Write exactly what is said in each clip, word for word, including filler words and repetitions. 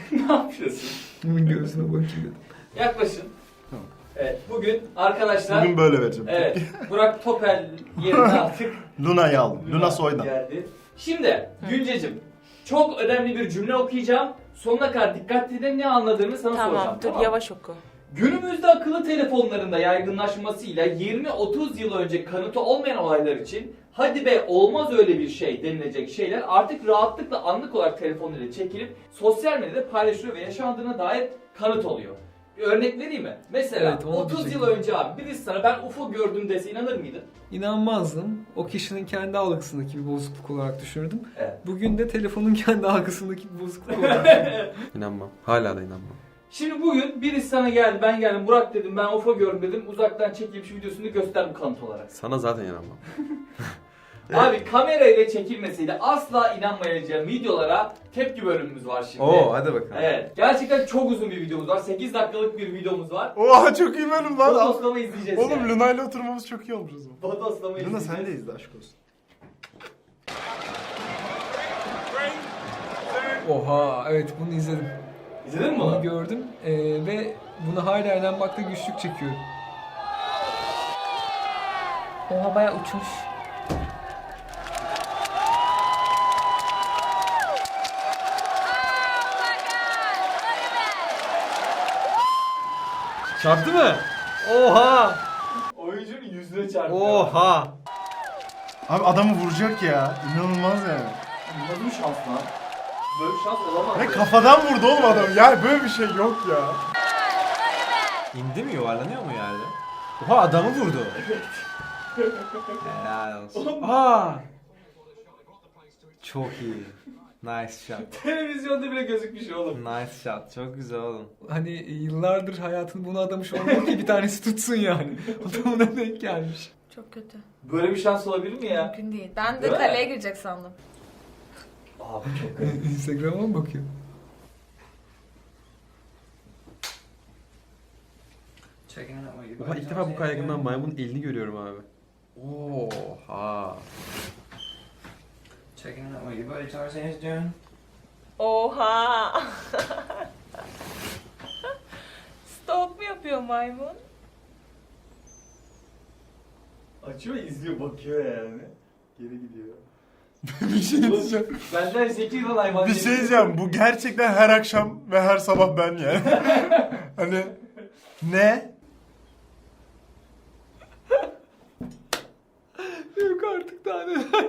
Ne yapıyorsun? Bunun göğsüne bakayım dedim. Yaklaşın. Tamam. Evet, bugün arkadaşlar... Bugün böyle vereceğim. Evet, Burak Topel yerine artık... Luna'yı aldım. Luna, Luna Soydan. Geldi. Şimdi, Güncecim, çok önemli bir cümle okuyacağım. Sonuna kadar dikkatli dinle, ne anladığını sana Tamam, soracağım. dur Tamam, yavaş oku. Günümüzde akıllı telefonlarında yaygınlaşmasıyla yirmi otuz yıl önce kanıtı olmayan olaylar için hadi be olmaz öyle bir şey denilecek şeyler artık rahatlıkla anlık olarak telefonuyla çekilip sosyal medyada paylaşılıyor ve yaşandığına dair kanıt oluyor. Bir örnek vereyim mi? Mesela Evet, onu otuz yıl diyecektim. önce abi birisi sana ben U F O gördüm dese inanır mıydın? İnanmazdım. O kişinin kendi algısındaki bir bozukluk olarak düşünürdüm. Evet. Bugün de telefonun kendi algısındaki bir bozukluk olarak düşünüyorum. İnanmam. Hala da inanmam. Şimdi bugün birisi sana geldi, ben geldim, Burak dedim, ben U F O gördüm dedim, uzaktan çekilmiş videosunu göster bu kanıt olarak. Sana zaten inanmam. Abi kamerayla çekilmesiyle asla inanmayacağım videolara tepki bölümümüz var şimdi. Oo hadi bakalım. Evet. Gerçekten çok uzun bir videomuz var. sekiz dakikalık bir videomuz var. Oha çok iyi bölüm lan. Bodoslama izleyeceğiz Oğlum yani. Luna ile oturmamız çok iyi olmuş o zaman. Bodoslama Luna izleyeceğiz. sen de izle aşk olsun. Oha, evet bunu izledim. İzledin mi Bunu onu? gördüm ee, ve bunu hala inanmakta güçlük çekiyorum. Oha bayağı uçmuş. Çarptı mı? Oha! Oyuncunun yüzüne çarptı. Oha! Abi adamı vuracak ya. İnanılmaz yani. Nasıl bir şans lan? Böyle bir şans olamaz. Ve ya. kafadan vurdu oğlum adam. Yani böyle bir şey yok ya. İndi mi, yuvarlanıyor mu yerde? Oha adamı vurdu. Helal olsun. Aa! Çok iyi. Nice shot. Televizyonda bile gözükmüş oğlum. Nice shot. Çok güzel oğlum. Hani yıllardır hayatını buna adamış olmalı ki bir tanesi tutsun yani. O da ona denk gelmiş. Çok kötü. Böyle bir şans olabilir mi ya? Mümkün değil. Ben de Değil mi? kaleye girecek sandım. Abi çok garip. Instagram'a mı bakıyor? Oha ilk defa bu kadar yakından maymunun elini görüyorum abi. Oha. Checking out what your buddy Tarzan is doing. Oha! Stalk mu yapıyor maymun? Açıyor izliyor bakıyor yani. Geri gidiyor. bir şey diyeceğim. Benden zeki yılan hayvan. Bir şey diyeceğim. Bu gerçekten her akşam ve her sabah ben yani. Hani ne? Yok artık daha neler.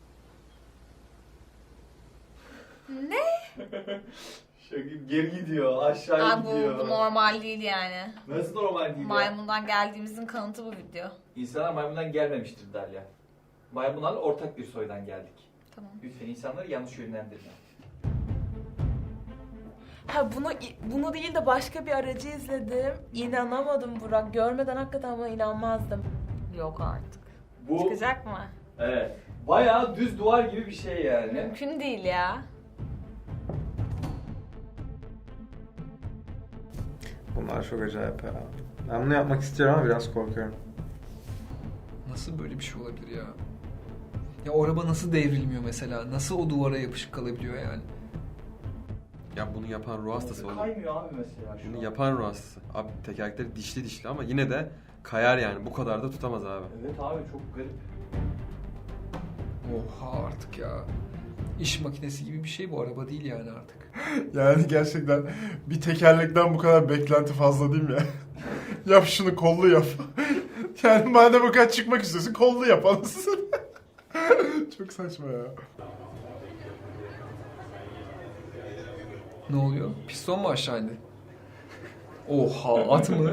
Ne? Şaka geri gidiyor, aşağı Aa, bu, gidiyor. bu normal değil yani. Nasıl normal değil ya? Maymundan geldiğimizin kanıtı bu video. İnsanlar maymundan gelmemiştir Derya. Maymunlarla ortak bir soydan geldik. Tamam. Lütfen insanları yanlış yönlendirme. Ha bunu bunu değil de başka bir aracı izledim. İnanamadım Burak. Görmeden hakikaten buna inanmazdım. Yok artık. Bu, Çıkacak mı? evet, bayağı düz duvar gibi bir şey yani. Mümkün değil ya. Bunlar çok acayip ya. Ben bunu yapmak istiyorum ama biraz korkuyorum. Nasıl böyle bir şey olabilir ya? Ya o araba nasıl devrilmiyor mesela? Nasıl o duvara yapışık kalabiliyor yani? Ya bunu yapan ruh hastası oğlum. Kaymıyor abi mesela şu Bunu an. yapan ruh hastası. Abi tekerlekleri dişli dişli ama yine de kayar yani. Bu kadar da tutamaz abi. Evet abi çok garip. Oha artık ya. İş makinesi gibi bir şey bu araba değil yani artık. Yani gerçekten bir tekerlekten bu kadar beklenti fazla değil mi ya? Yap şunu kollu yap. Yani madem o kadar çıkmak istiyorsun kollu yap anasını. Çok saçma ya. Ne oluyor? Piston mu aşağı indi? Oha at mı?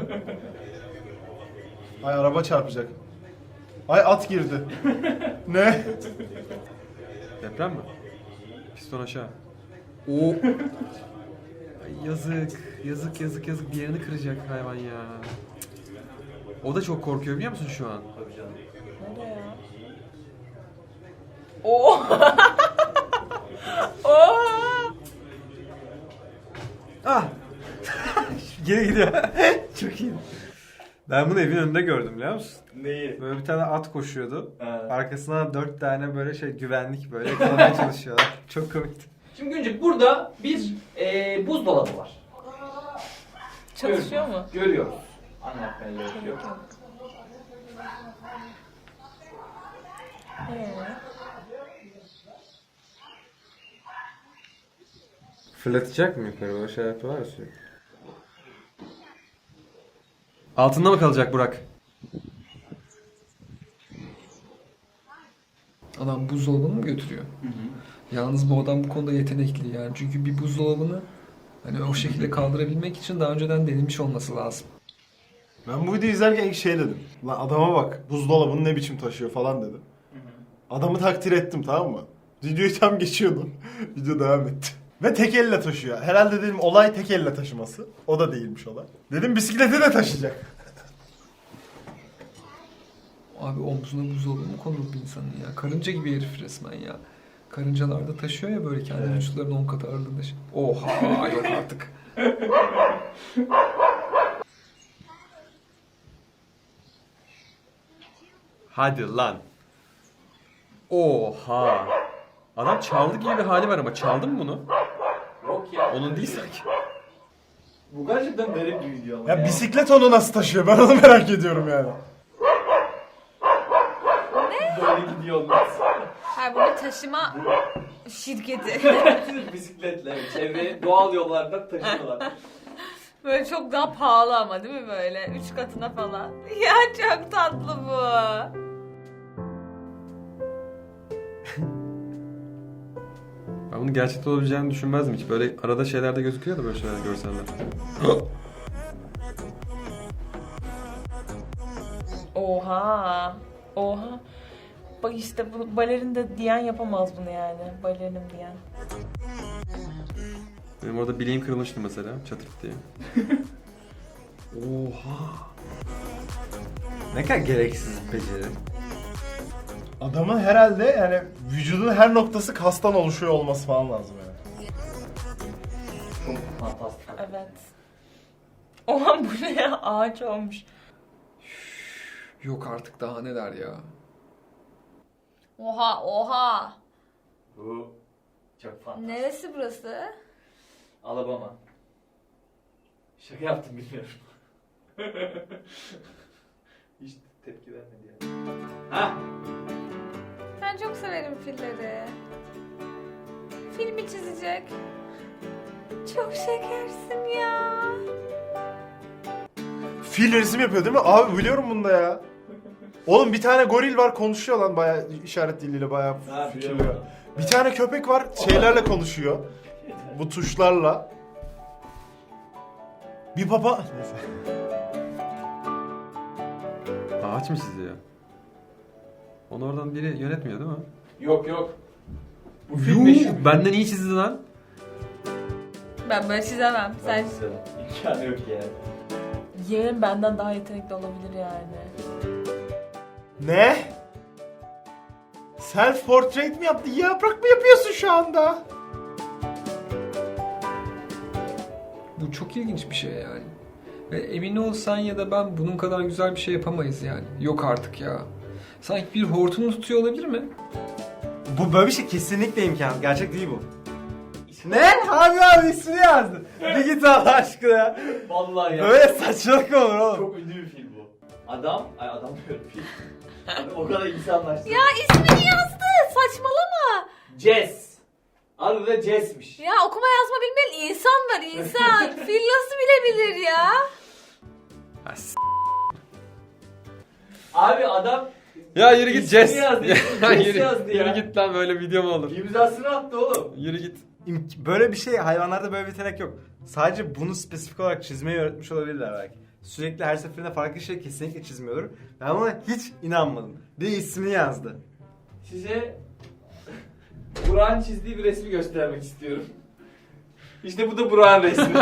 Ay araba çarpacak. Ay at girdi. Ne? Deprem mi? Piston aşağı. O Ay yazık. Yazık yazık yazık. Bir yerini kıracak hayvan ya. O da çok korkuyor biliyor musun şu an? Tabii canım. Ne oluyor ya? Oo! Oo! Ah! Geri gidiyor. Çok iyi. Ben bunu evin önünde gördüm biliyor musun? Neyi? Böyle bir tane at koşuyordu. Ha. Arkasına dört tane böyle şey güvenlik böyle yakalamaya çalışıyorlar. Çok komikti. Şimdi Güncük burada bir e, buzdolabı var. Çalışıyor mu? Görüyoruz. Anlatmaya gerek yok. Ee, Fırlatacak mı yukarı? Böyle şeyler var ya sürekli. Altında mı kalacak Burak? Adam buzdolabını mı götürüyor? Yalnız bu adam bu konuda yetenekli yani. Çünkü bir buzdolabını hani o şekilde kaldırabilmek için daha önceden denemiş olması lazım. Ben bu videoyu izlerken ilk şey dedim. Lan adama bak buzdolabını ne biçim taşıyor falan dedim. Adamı takdir ettim, tamam mı? Videoyu tam geçiyordum. Video devam etti. Ve tek elle taşıyor. Herhalde dedim olay tek elle taşıması. O da değilmiş olay. Dedim bisiklete de taşıyacak. Abi omzuna buzdolabı mı konur bir insanın ya? Karınca gibi herif resmen ya. Karıncalar da taşıyor ya böyle kendi Evet. vücutlarının on katı ağırlığında. şey- Oha yok artık. Hadi lan. Oha. Adam çaldı gibi bir hali var ama çaldın mı bunu? Yok ya. Onun değil sanki. Bu gerçekten garip bir video ama. Ya bisiklet onu nasıl taşıyor? Ben onu merak ediyorum yani. Böyle gidiyor olmaz. Hayır bu bir taşıma şirketi. Bisikletle evet, çevreye doğal yollardan taşıyorlar. Böyle çok daha pahalı ama değil mi böyle? Üç katına falan. Ya çok tatlı bu. Ben bunu gerçekten olabileceğini düşünmezdim hiç. Böyle arada şeylerde gözüküyor da böyle şeyler görseller. Oha. Oha. Bak işte bu balerin de diyen yapamaz bunu yani. Balerinim diyen. Benim orada bileğim kırılmıştı mesela çatırt diye. Oha. Ne kadar gereksiz bir beceri. Adamın herhalde yani vücudun her noktası kastan oluşuyor olması falan lazım yani. Çok fantastik. Evet. Oha bu ne ya? Ağaç olmuş. Yok artık daha neler ya. Oha oha. Bu çok fantastik. Neresi burası? Alabama. Şaka yaptım bilmiyorum. Hiç tepki vermedi yani. Ha? Ben çok severim filleri. Filmi çizecek. Çok şekersin ya. Fil resim yapıyor değil mi? Abi biliyorum bunda ya. Oğlum bir tane goril var konuşuyor lan bayağı işaret diliyle bayağı Ha, fikirli. biliyorum. Bir tane köpek var şeylerle konuşuyor. Bu tuşlarla. Bir baba... Neyse. Ağaç mı çiziyor? Onu oradan biri yönetmiyor değil mi? Yok yok. Bu film meşhur. Benden iyi çizdi lan. Ben böyle çizemem. Sen İmkanı yok yani. Yeğen benden daha yetenekli olabilir yani. Ne? Self portrait mi yaptı? Yaprak mı yapıyorsun şu anda? Bu çok ilginç bir şey yani. Ve emin ol sen ya da ben bunun kadar güzel bir şey yapamayız yani. Yok artık ya. Sanki bir hortum tutuyor olabilir mi? Bu böyle bir şey kesinlikle imkansız. Gerçek değil bu. Ne? Abi abi ismini yazdı. Bir git Allah aşkına. Vallahi ya. Böyle saçmalık mı olur oğlum? Çok ünlü bir film bu. Adam, ay adam diyorum film. Adam o kadar insanlaştı. ya ismini yazdı. Saçmalama. Jess. Adı da Jess'miş. Ya okuma yazma bilmeyen insan var insan. Fil nasıl bilebilir ya? Ha, s- Abi adam Ya yürü git İsmini Jess. yazdı, Ya Jess yürü, yazdı ya. yürü git lan böyle video mu olur? imzasını attı oğlum. Yürü git. İmk- Böyle bir şey hayvanlarda böyle bir yetenek yok. Sadece bunu spesifik olarak çizmeyi öğretmiş olabilirler belki. Sürekli her seferinde farklı şey kesinlikle çizmiyordur. Ben buna hiç inanmadım. Bir ismini yazdı. Size Burak'ın çizdiği bir resmi göstermek istiyorum. İşte bu da Burak'ın resmi.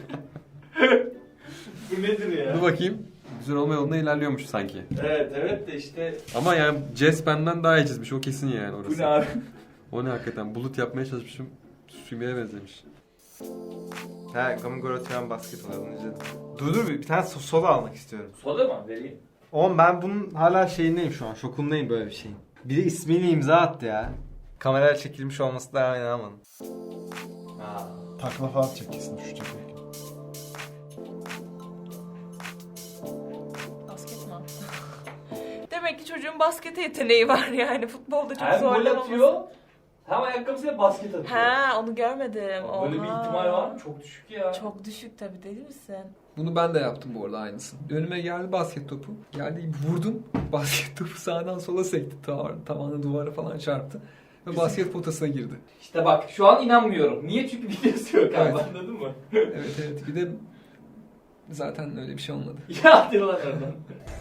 Bu nedir ya? Dur bakayım. Güzel olma yolunda ilerliyormuş sanki. Evet evet de işte Ama yani Jess benden daha iyi çizmiş. O kesin yani orası. bu ne abi? O ne hakikaten? Bulut yapmaya çalışmışım. Sümeye benzemiş. Ha, Gamigoro Tren basketbol onu izledim. Dur dur bir, bir tane so- solo almak istiyorum. Soda mı vereyim? Oğlum ben bunun hala şeyindeyim şu an. Şokundayım böyle bir şeyin. Biri ismiyle imza attı ya. Kamerayla çekilmiş olması da inanamadım. Ha. Takla falan atacak kesin düşecek. Basket mi? Demek ki çocuğun baskete yeteneği var yani. Futbolda çok Hem gol zorlamaması. atıyor hem ayakkabısıyla basket atıyor. Ha, onu görmedim. Böyle bir Oha. ihtimal var mı? Çok düşük ya. Çok düşük tabii, değil misin? Bunu ben de yaptım bu arada aynısını. Önüme geldi basket topu. Geldi vurdum. Basket topu sağdan sola sekti. Tav- Tavanı duvara falan çarptı. Ve basket potasına girdi. İşte bak şu an inanmıyorum. Niye? Çünkü videosu yok abi, Evet. anladın mı? Evet evet. Bir de zaten öyle bir şey olmadı. Ya hadi lan oradan.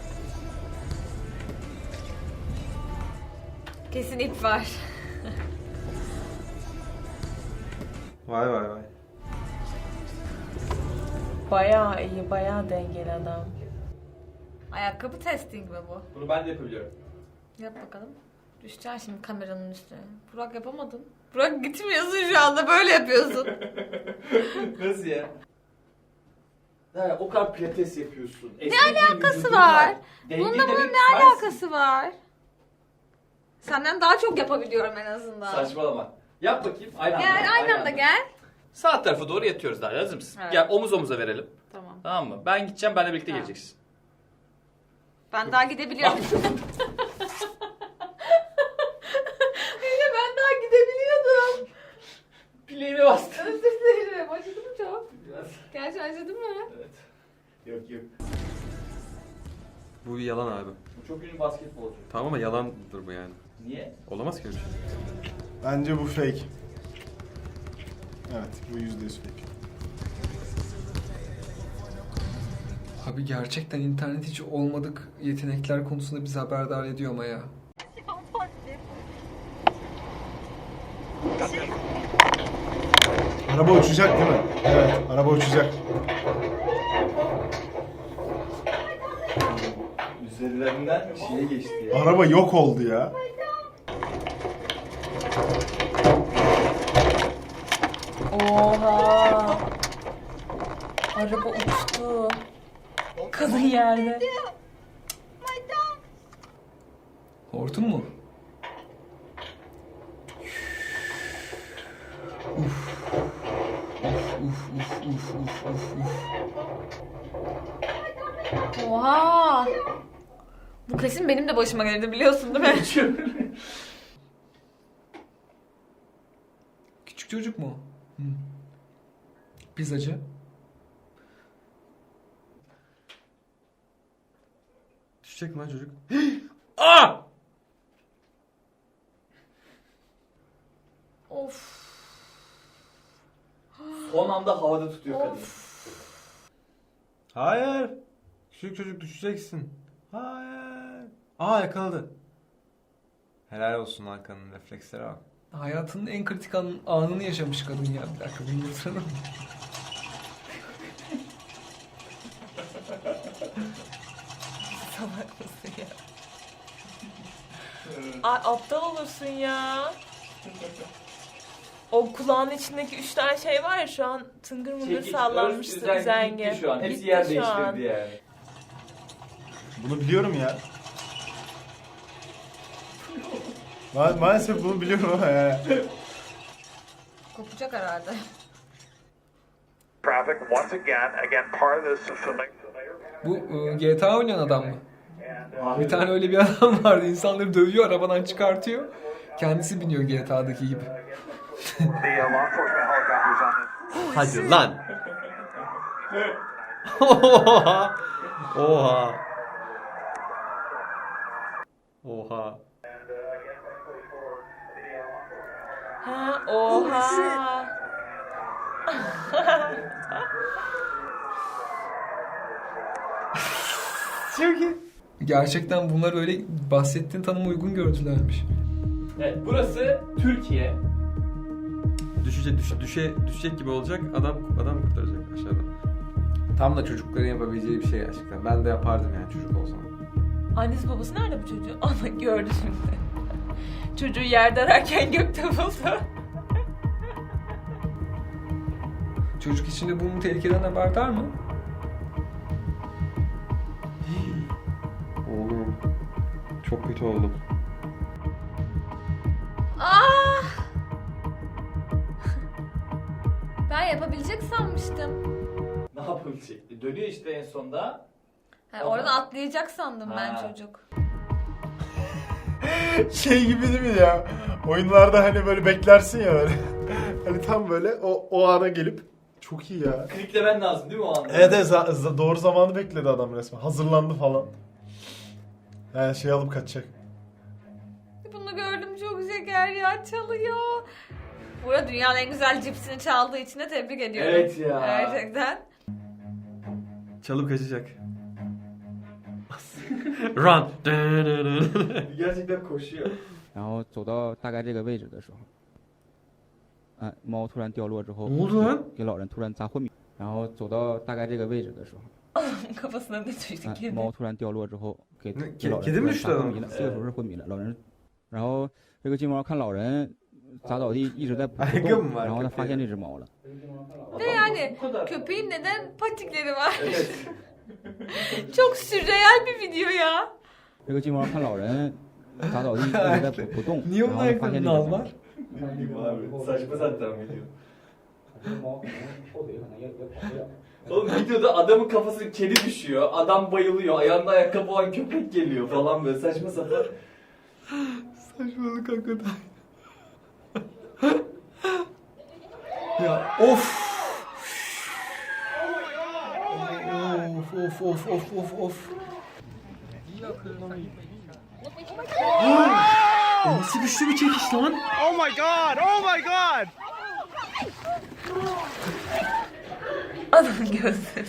Kesin ip var. Vay vay vay. Bayağı iyi, bayağı dengeli adam. Ayakkabı testing mi bu? Bunu ben de yapabiliyorum. Yap bakalım. Düşeceksin şimdi kameranın üstüne. Burak yapamadın. Burak gitmiyorsun şu anda, böyle yapıyorsun. Nasıl ya? Ha, o kadar pilates yapıyorsun. Ne alakası var? Bununla bunun ne alakası var? Senden daha çok yapabiliyorum en azından. Saçmalama. Yap bakayım. Aynı anda. Gel aynı anda gel. Sağ tarafa doğru yatıyoruz daha. Hazır mısın? Evet. Gel omuz omuza verelim. Tamam. Tamam mı? Ben gideceğim, benle birlikte Tamam. geleceksin. Ben daha gidebiliyorum. Yine ben daha gidebiliyordum. Bileğime bastın. Özür dilerim. Acıdı mı çok? Biraz. Gerçi acıdı mı? Evet. Yok yok. Bu bir yalan abi. Bu çok ünlü basketbolcu. Tamam ama yalandır bu yani. Niye? Olamaz ki öyle bir şey. Bence bu fake. Evet, bu yüzde yüz fake. Abi gerçekten internet hiç olmadık yetenekler konusunda bizi haberdar ediyor ama ya. Araba uçacak değil mi? Evet, araba uçacak. Üzerlerinden şeye geçti ya. Araba yok oldu ya. Oha. Araba uçtu. Kadın yerde. Hortum mu? Uf. Uf uf uf uf uf uf uf. Oha. Bu kesin benim de başıma geldi, biliyorsun değil mi? Küçük çocuk mu? Hı. Pizzacı. Düşecek mi lan çocuk? Aa! Of. Son anda havada tutuyor kadın. Hayır. Küçük çocuk düşeceksin. Hayır. Aa yakaladı. Helal olsun Hakan'ın refleksleri bak. Hayatının en kritik an- anını yaşamış kadın ya. Bir dakika bunu yatıralım. Salak mısın ya? Ay, aptal olursun ya. O kulağın içindeki üç tane şey var ya, şu an tıngır mıngır Çekiç, sallanmıştı örs, üzengi. Gitti şu an. Hepsi Gitti yer şu değiştirdi an. yani. Bunu biliyorum ya. Ma- maalesef bunu biliyorum ama ya. Kopacak herhalde. Traffic once again, again part of this is familiar. Bu e, G T A oynayan adam mı? Bir tane öyle bir adam vardı. İnsanları dövüyor, arabadan çıkartıyor. Kendisi biniyor G T A'daki gibi. The uh, law enforcement helicopters on this. Hadi lan. Oha. Oha. Oha. Ha, oha. Çok iyi. Gerçekten bunlar öyle bahsettiğin tanıma uygun gördülermiş. Evet, burası Türkiye. Düşecek, düş, düşe, düşecek gibi olacak. Adam adam kurtaracak aşağıda. Tam da çocukların yapabileceği bir şey gerçekten. Ben de yapardım yani çocuk olsam. Annesi babası nerede bu çocuğun? Ama gördü şimdi. Çocuğu yerde ararken gökte buldu. Çocuk içinde bunun tehlikeden haberdar mı? Oğlum. Çok kötü oldum. Aa! yapabilecek sanmıştım. Ne yapabilecek? Dönüyor işte en sonda. Ha, oradan atlayacak sandım ben Ha. çocuk. Şey gibi değil mi ya? Oyunlarda hani böyle beklersin ya böyle. Hani tam böyle o, o ana gelip çok iyi ya. Kliklemen lazım değil mi o anda? Evet, evet za- za- doğru zamanı bekledi adam resmen. Hazırlandı falan. He, şey alıp kaçacak. Bunu gördüm, çok şeker ya, çalıyor. Burada dünyanın en güzel cipsini çaldığı için de tebrik ediyorum. Evet ya. Gerçekten. Çalıp kaçacak. Run. Gerçekten koşuyor. 然后走到大概这个位置的时候，啊，猫突然掉落之后， Ne oldu lan? 给老人突然砸昏迷。然后走到大概这个位置的时候， Kafasına ne düştü 啊， kedi? 猫突然掉落之后，给那给老 kedi 人 mi 突然 düştü 砸昏 adam? 迷了，这个时候是昏迷了，老人，然后这个金毛看老人砸倒地一直在不 Ayakkabı 动， mı var 然后他 köpeğin? 发现这只猫了。 Ve yani Bu kadar. köpeğin neden patikleri var? Evet. Çok sürreel bir video ya. 这个金毛看老人砸倒地一直在不不动， Niye 然 onun 后他发现这 ayaklarını 只猫 aldılar? 了。 Bilmiyorum abi. Saçma sapan video. 猫后腿可能也也跑不了。 Oğlum videoda adamın kafası kedi düşüyor. Adam bayılıyor. Ayağında ayakkabı olan köpek geliyor falan böyle saçma sapan. Saçmalık hakikaten. Ya of. Of of of of of of. O nasıl güçlü bir çekiş lan? Oh my god! Oh my god! Adamın gözleri.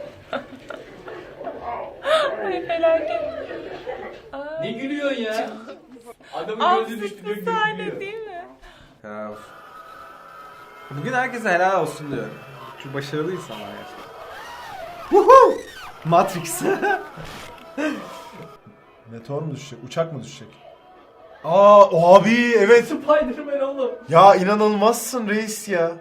Ay felaket. Ne gülüyorsun ya? Adamın gözü düştü diyor Absürt sahne gülüyor. değil mi? Ya, of. Bugün herkese helal olsun diyorum. Şu başarılı insanlar gerçekten. Woohoo! Matrix. Meteor mu düşecek? Uçak mı düşecek? Aa abi evet. Spider-Man oğlum. Ya inanılmazsın reis ya.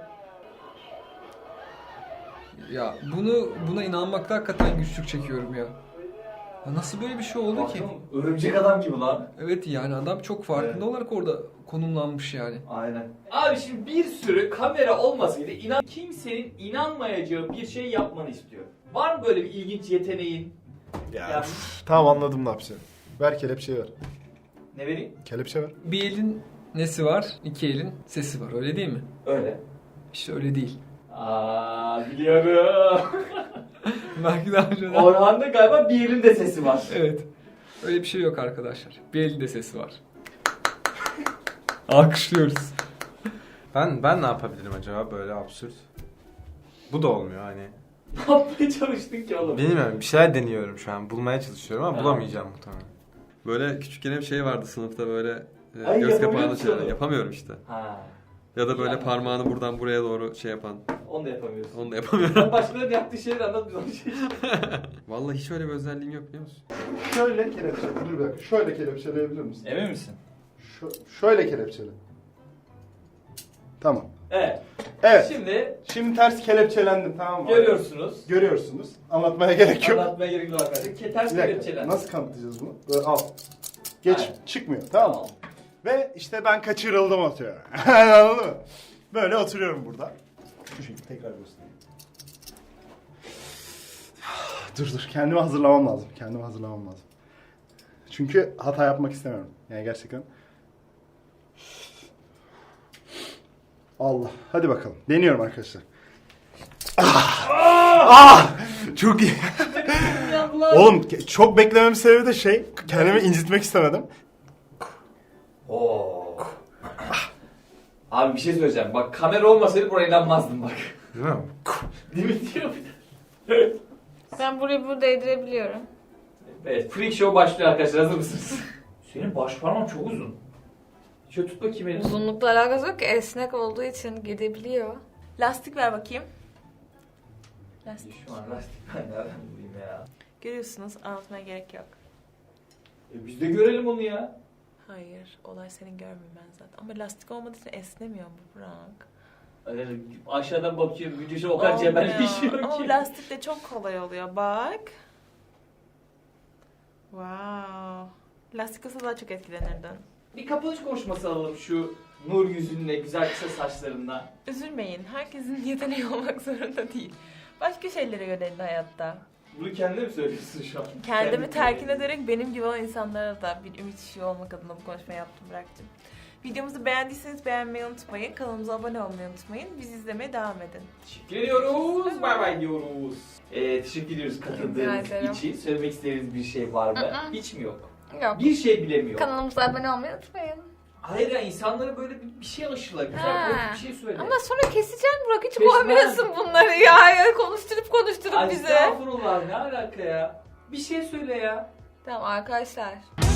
Ya bunu buna inanmakta hakikaten güçlük çekiyorum ya. Ya nasıl böyle bir şey oldu ki? Baksana, örümcek adam gibi lan. Evet yani adam çok farkında Evet. olarak orada konumlanmış yani. Aynen. Abi şimdi bir sürü kamera olmasaydı inan kimsenin inanmayacağı bir şey yapmanı istiyor. Var mı böyle bir ilginç yeteneğin? Ya, Ya, üf, tamam anladım ne yapacaksın. Ver kelepçeyi ver. ne vereyim? Kelepçe ver. Bir elin nesi var, iki elin sesi var öyle değil mi? Öyle. İşte öyle değil. Aa biliyorum. Belki daha önceden... Orhan'da galiba bir elinde sesi var. Evet. Öyle bir şey yok arkadaşlar. Bir elinde sesi var. Alkışlıyoruz. Ben ben ne yapabilirim acaba böyle absürt? Bu da olmuyor hani. Ne yapmaya çalıştın ki oğlum? Bilmiyorum bir şeyler deniyorum şu an. Bulmaya çalışıyorum ama Ha. bulamayacağım muhtemelen. Böyle küçükken hep şey vardı sınıfta böyle e, Ay, göz yapamıyor kapağını musun çeviren. onu? Yapamıyorum işte. Ha. Ya da böyle Yani. parmağını buradan buraya doğru şey yapan. Onu da yapamıyorsun. Onu da yapamıyorum. Sen başkalarının yaptığı şeyleri anlat biz onu şey. Vallahi hiç öyle bir özelliğim yok biliyor musun? Şöyle kelepçele. Dur bir dakika. Şöyle kelepçeleyebilir misin? Emin misin? Şu, şöyle kelepçele. Tamam. Evet. Evet. Şimdi Şimdi ters kelepçelendim tamam mı? görüyorsunuz. Görüyorsunuz. Anlatmaya gerek yok. Anlatmaya gerek yok arkadaşlar. Ke- Ters Bir dakika. kelepçeler. Nasıl kanıtlayacağız bunu? Böyle al. Geç. Aynen. Çıkmıyor. Tamam mı? Ve işte ben kaçırıldım atıyor. Anladın mı? Böyle oturuyorum burada. Şu şekilde tekrar göstereyim. Dur dur. Kendimi hazırlamam lazım. Kendimi hazırlamam lazım. Çünkü hata yapmak istemiyorum. Yani gerçekten. Allah. Hadi bakalım. Deniyorum arkadaşlar. Ah! Ah! Çok iyi. Oğlum ke- çok beklememin sebebi de şey, kendimi incitmek istemedim. Oo. Abi bir şey söyleyeceğim. Bak kamera olmasaydı buraya inanmazdım bak. Değil mi? Değil mi diyor bir de. Ben burayı burada değdirebiliyorum. Evet, Freak Show başlıyor arkadaşlar. Hazır mısınız? Senin baş parmağın çok uzun. Şöyle tut bakayım elini. Uzunlukla alakası yok ki, esnek olduğu için gidebiliyor. Lastik ver bakayım. Lastik. Şu an lastik ben nereden bulayım ya? Görüyorsunuz, anlatmaya gerek yok. E biz de görelim onu ya. Hayır, olay senin görmemen zaten. Ama lastik olmadığı için esnemiyor bu Frank. Yani aşağıdan bakıyorum, gücü o kadar Olmuyor. cebelleşiyor Ama ki. lastik de çok kolay oluyor, bak. Wow. Lastik olsa daha çok etkilenirdin. Bir kapanış konuşması alalım şu Nur yüzünle, güzel kısa saçlarından. Üzülmeyin. Herkesin yeteneği olmak zorunda değil. Başka şeylere yönelin hayatta. Bunu kendine mi söylüyorsun şu an? Kendimi Kendine telkin mi? ederek benim gibi olan insanlara da bir ümit ışığı olmak adına bu konuşmayı yaptım, bıraktım. Videomuzu beğendiyseniz beğenmeyi unutmayın. Kanalımıza abone olmayı unutmayın. Bizi izlemeye devam edin. Teşekkür ediyoruz. Bay bay diyoruz. Ee, teşekkür ediyoruz Rica katıldığınız ederim. için. Söylemek istediğiniz bir şey var mı? Hı hı. Hiç mi yok? Yok. Bir şey bilemiyor. Kanalımıza abone olmayı unutmayın. Hayır ya, insanlara böyle bir, bir şey aşıla. Güzel Ha. böyle bir şey söyle. Ama sonra keseceksin Burak. Hiç Kesmem. koymuyorsun bunları ya. ya. Konuşturup konuşturup bizi. Estağfurullah, ne alaka ya? Bir şey söyle ya. Tamam arkadaşlar.